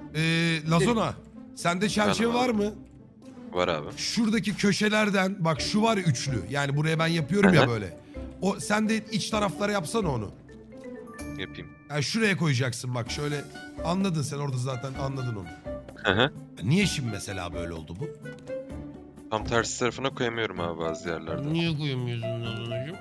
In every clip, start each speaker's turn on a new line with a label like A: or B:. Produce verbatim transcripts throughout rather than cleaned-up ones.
A: Ee, Lazona, sende çerçeve
B: Efendim
A: var
B: abi?
A: mı?
B: Var abi.
A: Şuradaki köşelerden bak şu var ya üçlü. Yani buraya ben yapıyorum ya böyle. O sen de iç taraflara yapsana onu.
B: Yapayım.
A: Yani şuraya koyacaksın bak şöyle. Anladın sen orada zaten anladın onu.
B: Hı hı.
A: Niye şimdi mesela böyle oldu bu?
B: Tam tersi tarafına koyamıyorum abi bazı yerlerde.
A: Niye koyamıyorsun Lazona'cığım?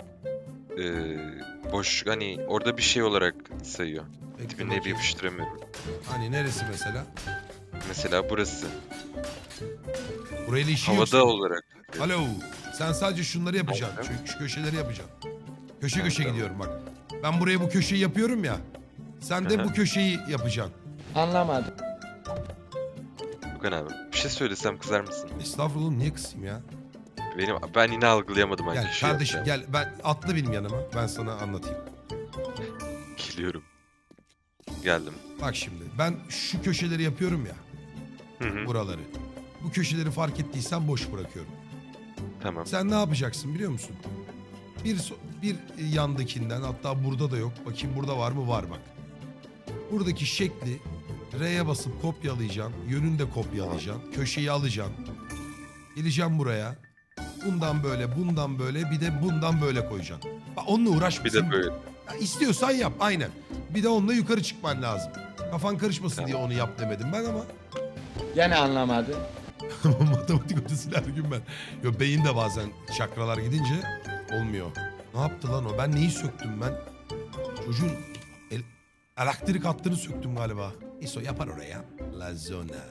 B: Ee, boş hani orada bir şey olarak sayıyor.
A: Bekle
B: Dibine bir
A: bakayım.
B: yapıştıramıyorum.
A: Hani neresi mesela?
B: Mesela burası.
A: Burayla işi
B: Havada
A: yok.
B: olarak.
A: Alo. Sen sadece şunları yapacaksın.
B: Tamam.
A: Şu, şu köşeleri yapacaksın. Köşe
B: Evet,
A: köşe
B: tamam.
A: gidiyorum bak. Ben buraya bu köşeyi yapıyorum ya. Sen de
B: Hı hı.
A: bu köşeyi yapacaksın.
C: Anlamadım.
B: Okan abi. Bir şey söylesem kızar mısın?
A: Estağfurullah oğlum, niye kısayım ya?
B: Benim ben yine algılayamadım hangi
A: Gel
B: şey
A: kardeşim
B: yapacağım.
A: gel. Ben atla benim yanıma. Ben sana anlatayım.
B: Geliyorum. Geldim.
A: Bak şimdi ben şu köşeleri yapıyorum ya.
B: Hı hı.
A: Buraları. Bu köşeleri fark ettiysen boş bırakıyorum.
B: Tamam.
A: Sen ne yapacaksın biliyor musun? Bir so- bir yandakinden, hatta burada da yok. Bakayım burada var mı? Var bak. Buradaki şekli R'ye basıp kopyalayacaksın. Yönünü de kopyalayacaksın. Köşeyi alacaksın. Geleceğim buraya. Bundan böyle, bundan böyle, bir de bundan böyle koyacaksın. Bak onunla uğraşma.
B: Bir de
A: Sen-
B: böyle.
A: Ya istiyorsan yap aynen. Bir de onunla yukarı çıkman lazım. Kafan karışmasın
B: Tamam.
A: diye onu yap demedim ben ama.
C: Gene anlamadım.
A: Matematik hocasıyla her gün ben. Yo, beyin de bazen çakralar gidince olmuyor. Ne yaptı lan o? Ben neyi söktüm ben? Çocuğun el, elektrik hattını söktüm galiba. İso yapar oraya. Lazona.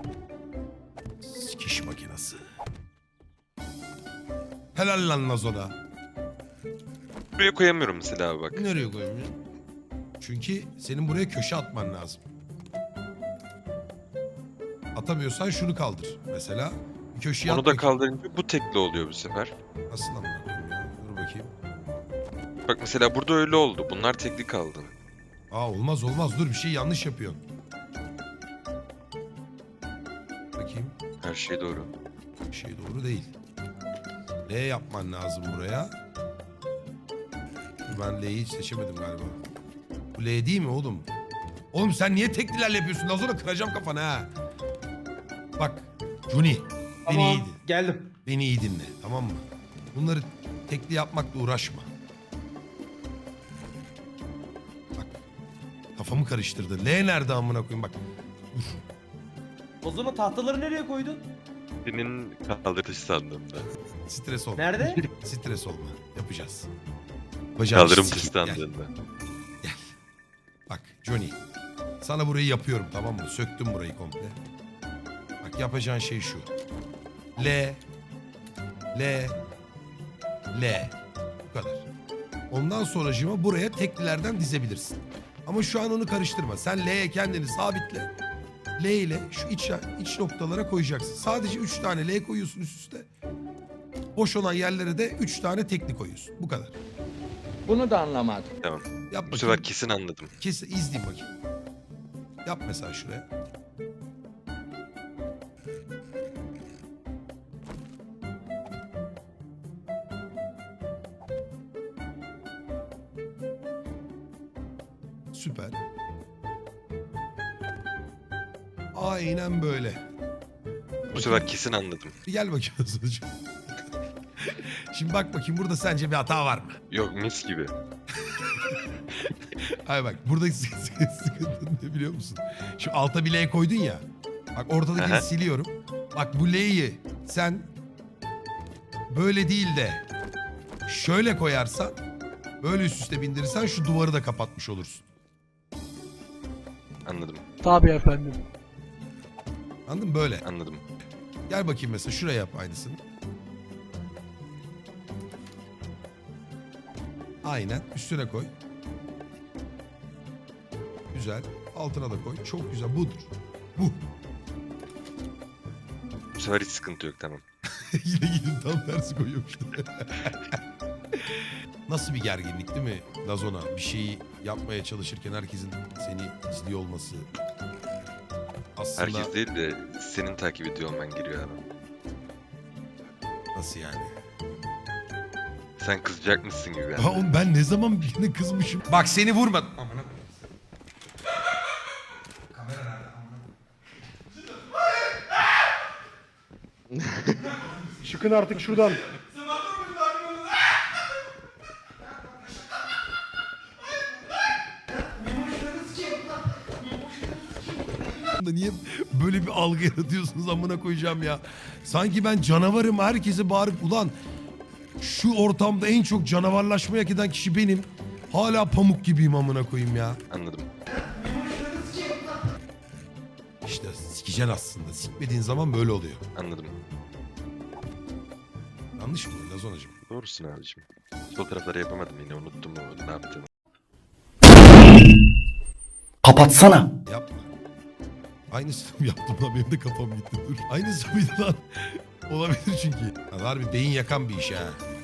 A: Sikiş makinası. Helal lan Lazona.
B: Buraya koyamıyorum mesela abi bak.
A: Nereye koyayım ya? Çünkü senin buraya köşe atman lazım. Atamıyorsan şunu kaldır mesela. Bir köşeye
B: Onu
A: at
B: da
A: bakayım.
B: kaldırınca bu tekli oluyor bu sefer.
A: Nasıl amına koyayım ya? Dur bakayım.
B: Bak mesela burada öyle oldu. Bunlar tekli kaldı.
A: Aa olmaz olmaz, dur bir şey yanlış yapıyorsun. Bakayım.
B: Her şey doğru.
A: Bir şey doğru değil. L yapman lazım buraya. Ben L'yi hiç seçemedim galiba. Bu L değil mi oğlum? Oğlum sen niye teklilerle yapıyorsun? Az sonra kıracağım kafanı ha. Bak Juni, beni
D: Tamam,
A: iyi dinle.
D: geldim.
A: Beni iyi dinle, tamam mı? Bunları tekli yapmakla uğraşma. Bak kafamı karıştırdı. L nerede amına koyayım bak. Dur.
D: O zaman tahtaları nereye koydun?
B: Senin kaldırış sandığında.
A: Stres olma.
D: Nerede?
A: Stres olma. Yapacağız. Yapacağız.
B: Kaldırım
A: Sikeyim, gel.
B: sandığında.
A: Bak Johnny. Sana burayı yapıyorum, tamam mı? Söktüm burayı komple. Bak yapacağın şey şu. L. L. L. Bu kadar. Ondan sonracığıma buraya teklilerden dizebilirsin. Ama şu an onu karıştırma. Sen L'ye kendini sabitle. L ile şu iç, iç noktalara koyacaksın. Sadece üç tane L koyuyorsun üst üste. Boş olan yerlere de üç tane tekli koyuyorsun. Bu kadar.
C: Bunu da anlamadım.
B: Tamam.
A: Yap
B: Bu
A: bakayım.
B: sefer kesin anladım.
A: Kes, izleyeyim bakayım. Yap mesela şuraya. Süper. Aynen böyle.
B: Bu sefer kesin anladım.
A: Bir gel bakayım sonucu. Şimdi bak bakayım burada sence bir hata var mı?
B: Yok mis gibi.
A: Hayır bak buradaki sıkı- sıkı- sıkıntı ne biliyor musun? Şu alta bir L koydun ya. Bak ortadakini
B: Aha.
A: siliyorum. Bak bu L'yi sen böyle değil de şöyle koyarsan, böyle üst üste bindirirsen şu duvarı da kapatmış olursun.
B: Anladım.
E: Tabii efendim.
A: Anladın mı? Böyle.
B: Anladım.
A: Gel bakayım mesela şuraya yap aynısını. Aynen üstüne koy. Güzel. Altına da koy. Çok güzel. Budur. Bu.
B: Bu sefer hiç sıkıntı yok tamam.
A: Yine gidip tam tersi koyuyormuş. Nasıl bir gerginlik değil mi Lazona? Bir şeyi yapmaya çalışırken herkesin seni izliyor olması. Aslında
B: Herkes değil de senin takip ediyor olman giriyor abi.
A: nasıl yani?
B: Sen kızacakmışsın gibi
A: Ha
B: yani.
A: oğlum ben ne zaman birine kızmışım? Bak seni vurmadım. Amına koyayım. Kamera nerede? Amına
E: Çıkın artık şuradan.
A: Da niye böyle bir algı yaratıyorsunuz amına koyacağım ya. Sanki ben canavarım, herkese bağırıp ulan şu ortamda en çok canavarlaşmayı hak eden kişi benim. Hala pamuk gibiyim amına koyayım ya.
B: Anladım.
A: İşte sikeceksin aslında. Sikmediğin zaman böyle oluyor.
B: Anladım.
A: Yanlış mı Lazonacığım?
B: Doğrusun abicim. Sol tarafları yapamadım yine unuttum mu ne yaptığımı.
F: Kapatsana.
A: Yapma. Aynısını mı yaptım lan? Benim de kafam gitti. Dur. Aynısı mıydı lan? Olabilir çünkü. Ya harbi beyin yakan bir iş ha.